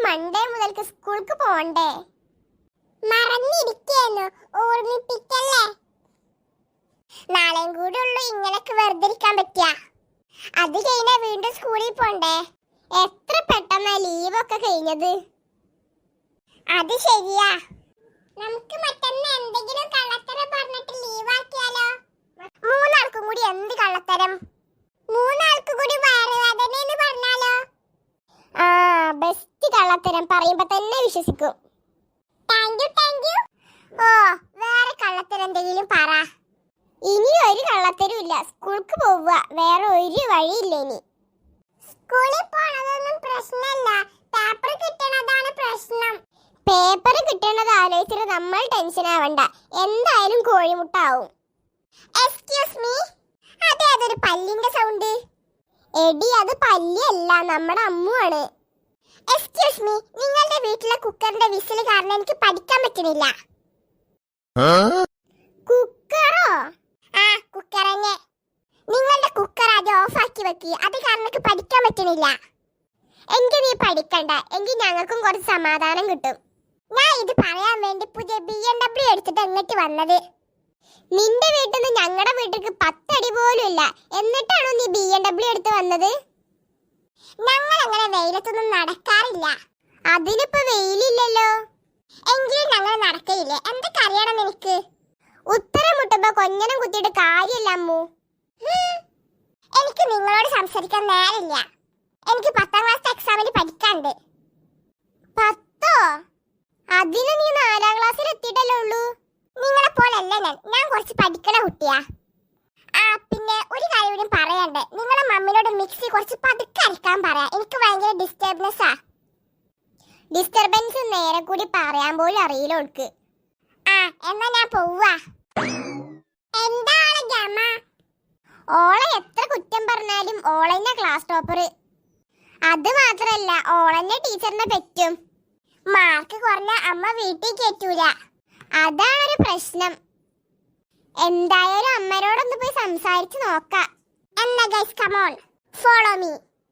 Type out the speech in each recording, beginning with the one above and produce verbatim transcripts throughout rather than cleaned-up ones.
Monday മുതൽക്ക് സ്കൂൾക്ക് പോണ്ടേ? മറന്നിരിക്കുന്നു, ഓർമ്മിപ്പിക്കല്ലേ. നാളെയും കൂടെ ഉള്ളു ഇങ്ങനൊക്കെ വെറുതെ ഇരിക്കാൻ പറ്റിയ. അത് കഴിഞ്ഞാ വീണ്ടും സ്കൂളിൽ പോണ്ടേ? എത്ര പെട്ടെന്നാ ലീവൊക്കെ കഴിഞ്ഞത്. അത് ശരിയാ. നമുക്ക് മറ്റന്ന് എന്തെങ്കിലും കള്ളത്തരം പറഞ്ഞിട്ട് ലീവാക്കിയാലോ? മൂന്നാൾക്കും കൂടി എന്ത് കള്ളത്തരം? മൂന്നാൾക്ക് കൂടി വയറുവേദന എന്ന് പറഞ്ഞാലോ? ആ, ബെസ്റ്റ് കള്ളത്തരം. പറയുമ്പോ തന്നെ വിശ്വസിക്കും. Thank you thank you. ഓ, വേറെ കള്ളത്തരം എന്തെങ്കിലും പറ. ഇനി ഒരു കള്ളത്തരം ഇല്ല. സ്കൂൾക്ക് പോവുക, വേറെ ഒരു വഴിയില്ല. ഇനി സ്കൂളിൽ പോണതൊന്നും പ്രശ്നമല്ല, പേപ്പർ കിട്ടണതാണ് പ്രശ്നം. പേപ്പർ കിട്ടണത് ആലോചിച്ചിട്ട് നമ്മൾ ടെൻഷൻ ആവണ്ട. എന്തായാലും കോഴിമുട്ട ആവും. എക്സ്ക്യൂസ് മീ, അതെ അതൊരു പല്ലിന്റെ സൗണ്ട്. എടി, അത് പല്ലിയല്ല, നമ്മുടെ അമ്മുവാണ്. എക്സ്ക്യൂസ് മീ, നിങ്ങളുടെ വീട്ടിലെ കുക്കറിന്റെ വിസിൽ കാരണം എനിക്ക് പഠിക്കാൻ പറ്റുന്നില്ല. കുക്കറോ? ആ, കുക്കർ തന്നെ. നിങ്ങളുടെ കുക്കർ ആദ്യം ഓഫ് ആക്കി വെക്കി, അത് കാരണം എനിക്ക് പഠിക്കാൻ പറ്റുന്നില്ല. എങ്കിൽ നീ പഠിക്കണ്ട, എങ്കിൽ ഞങ്ങൾക്കും കുറച്ച് സമാധാനം കിട്ടും. ഞാൻ ഇത് പറയാൻ വേണ്ടി പുതിയ ബി എം ഡബ്ല്യു എടുത്തിട്ട് എങ്ങോട്ട് വന്നത്. നിന്റെ വീട്ടിൽ നിന്ന് ഞങ്ങളുടെ വീട്ടിലേക്ക് പത്തടി പോലും ഇല്ല, എന്നിട്ടാണോ നീ ബി എം ഡബ്ല്യു എടുത്ത് വന്നത്? ഞങ്ങൾ അങ്ങനെ വെയിലത്തൊന്നും നടക്കാറില്ല. അതിനിപ്പോ വെയിലില്ലല്ലോ. എങ്കിലും ഞങ്ങൾ നടക്കയില്ലേ. എന്തൊക്കെ അറിയണം എനിക്ക്? ഉത്തരം മുട്ടുമ്പോ കൊഞ്ഞനം കുത്തിയിട്ട് കാര്യമില്ല അമ്മു. എനിക്ക് നിങ്ങളോട് സംസാരിക്കാൻ നേരില്ല. എനിക്ക് പത്താം ക്ലാസ് എക്സാമിന് പഠിക്കാണ്ട്. പത്തോ? അതിന് നീ നാലാം ക്ലാസ്സിൽ എത്തിയിട്ടല്ലേ ഉള്ളൂ. നിങ്ങളെ പോലല്ല ഞാൻ. ഞാൻ കുറച്ച് പഠിക്കണ കുട്ടിയാ. ആ, പിന്നെ ഒരു കാര്യം കൂടി പറയണ്ടേ. നിങ്ങളെ മമ്മിനോട് മിക്സി കുറച്ച് പതുക്കെ അരക്കാൻ പറയാ. എനിക്ക് ഭയങ്കര ഡിസ്റ്റർബൻസാ. ഡിസ്റ്റർബൻസ് നേരെ കൂടി പറയാൻ പോലും അറിയില്ല ഓൾക്ക്. ആ, എന്നാ ഞാൻ പോവാ. എന്താണ് ഗമ? ഓളെ എത്ര കുറ്റം പറഞ്ഞാലും ഓളെന്നെ ക്ലാസ് ടോപ്പർ. അത് മാത്രല്ല, ഓളെന്നെ ടീച്ചറിനെ പറ്റും. മാർക്ക് കുറഞ്ഞ അമ്മ വീട്ടിൽ കയറ്റൂല. അതാണൊരു പ്രശ്നം. എന്തായാലും അമ്മയോടൊന്ന് പോയി സംസാരിച്ച് നോക്കാം. എന്നാ guys, come on, follow me.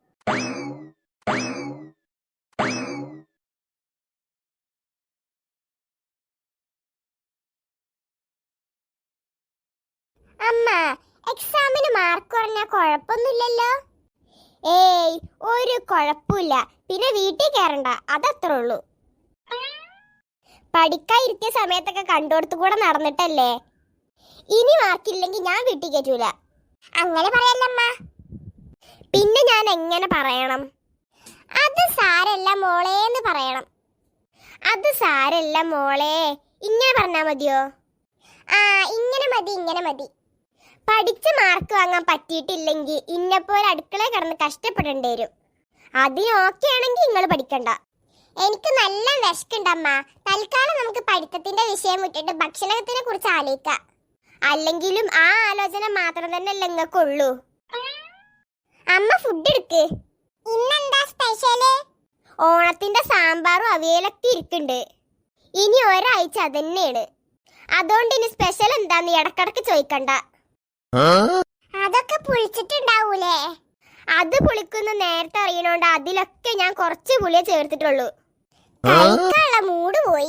അമ്മ, എക്സാമിന് മാർക്ക് കുറഞ്ഞാൽ കുഴപ്പമൊന്നുമില്ലല്ലോ? ഏയ്, ഒരു കുഴപ്പമില്ല. പിന്നെ വീട്ടിൽ കയറണ്ട, അതത്രേ ഉള്ളൂ. പഠിക്കാതിരിക്കുന്ന സമയത്തൊക്കെ കണ്ടോടത്ത് കൂടെ നടന്നിട്ടല്ലേ. ഇനി മാർക്കില്ലെങ്കിൽ ഞാൻ വീട്ടിൽ കയറ്റൂല. അങ്ങനെ പറയല്ലമ്മ. പിന്നെ ഞാൻ എങ്ങനെ പറയണം? അത് സാരല്ല മോളേന്ന് പറയണം. അത് സാരല്ല മോളെ, ഇങ്ങനെ പറഞ്ഞാ മതിയോ? ആ, ഇങ്ങനെ മതി, ഇങ്ങനെ മതി. പഠിച്ച് മാർക്ക് വാങ്ങാൻ പറ്റിയിട്ടില്ലെങ്കിൽ ഇന്നെപ്പോലെ അടുക്കളയിൽ കിടന്ന് കഷ്ടപ്പെടേണ്ടി വരും. അതിന് ഓക്കെ ആണെങ്കിൽ നിങ്ങൾ പഠിക്കണ്ട. എനിക്ക് നല്ല വിശക്കുണ്ടമ്മ. തൽക്കാലം നമുക്ക് പഠിത്തത്തിന്റെ വിഷയം വിട്ടിട്ട് ഭക്ഷണത്തിനെ കുറിച്ച് ആലോചിക്കാം. അല്ലെങ്കിലും ആ ആലോചന മാത്രം തന്നെ അല്ല നിങ്ങൾക്കുള്ളൂ. അമ്മ ഫുഡ് എടുക്ക്. ഇന്നെന്താ സ്പെഷ്യല്? ഓണത്തിന്റെ സാമ്പാറും അവിയലൊക്കെ ഇരിക്കുന്നുണ്ട്. ഇനി ഒരാഴ്ച അതന്നെയാണ്. അതുകൊണ്ട് ഇനി സ്പെഷ്യൽ എന്താന്ന് ഇടക്കിടക്ക് ചോദിക്കണ്ട. അതൊക്കെ പുളിച്ചിട്ടുണ്ടാവൂലേ? അത് പുളിക്കുന്ന നേരത്തെ അറിയണോണ്ട് അതിലൊക്കെ ഞാൻ കുറച്ച് പുളിയെ ചേർത്തിട്ടുള്ളൂ. കഴിക്കാനുള്ള മൂഡ് പോയി.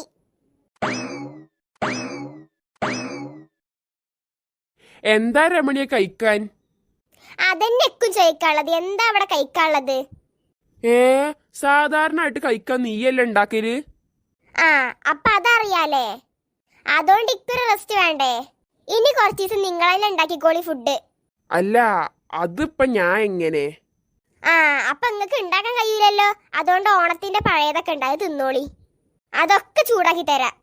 എന്താ രമണിയെ കഴിക്കാൻ? അതെന്നെക്കും ചോദിക്കാനുള്ളത്. എന്താ അവിടെ കഴിക്കാനുള്ളത്? ഏ, സാധാരണ ആയിട്ട് കഴിക്കാൻ നീയല്ലേ ഉണ്ടാക്കല്? ആ, അപ്പൊ അതറിയാലേ. അതുകൊണ്ട് ഇക്കൊരു റെസ്റ്റ് വേണ്ടേ? ഇനി കുറച്ച് ദിവസം നിങ്ങൾ തന്നെ ഉണ്ടാക്കിക്കോളി ഫുഡ്. അല്ല, അതിപ്പോ ഞാൻ എങ്ങനെ? ആ, അപ്പൊ നിങ്ങക്ക് ഉണ്ടാക്കാൻ കഴിയില്ലല്ലോ. അതുകൊണ്ട് ഓണത്തിന്റെ പഴയതൊക്കെ ഉണ്ടായി തിന്നോളി. അതൊക്കെ ചൂടാക്കി തരാം.